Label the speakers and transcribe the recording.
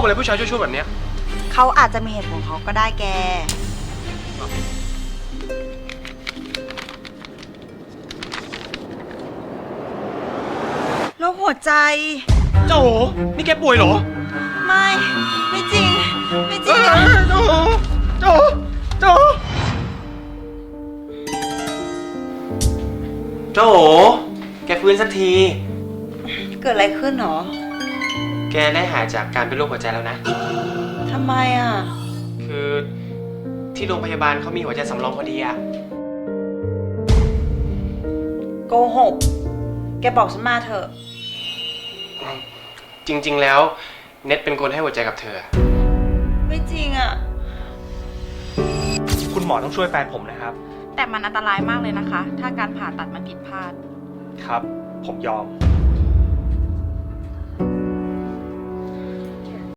Speaker 1: อะไรผู้ชายชั่วๆแบบเนี้ย
Speaker 2: เขาอาจจะมีเหตุผลเขาก็ได้แกโรคหัวใจ
Speaker 1: เจ้าโหนี่แกป่วยเหรอ
Speaker 2: ไม่จริง ไม่จริง
Speaker 1: เจ้าโหเจ้าโหเจ้าโหเจ้าโหแกฟื้นสักที
Speaker 2: เกิดอะไรขึ้นหรอ
Speaker 1: แกได้หายจากการเป็นโรคหัวใจแล้วนะ
Speaker 2: ทำไมอ่ะ
Speaker 1: คือที่โรงพยาบาลเขามีหัวใจสำรองพอดีอะ
Speaker 2: โกหก แกบอกฉันมาเถอะ
Speaker 1: จริงๆแล้วเน็ตเป็นคนให้หัวใจกับเธอ
Speaker 2: ไม่จริงอ่ะ
Speaker 1: คุณหมอต้องช่วยแฟนผมนะครับ
Speaker 3: แต่มันอันตรายมากเลยนะคะ ถ้าการผ่าตัดมันผิดพลาด
Speaker 1: ครับ ผมยอม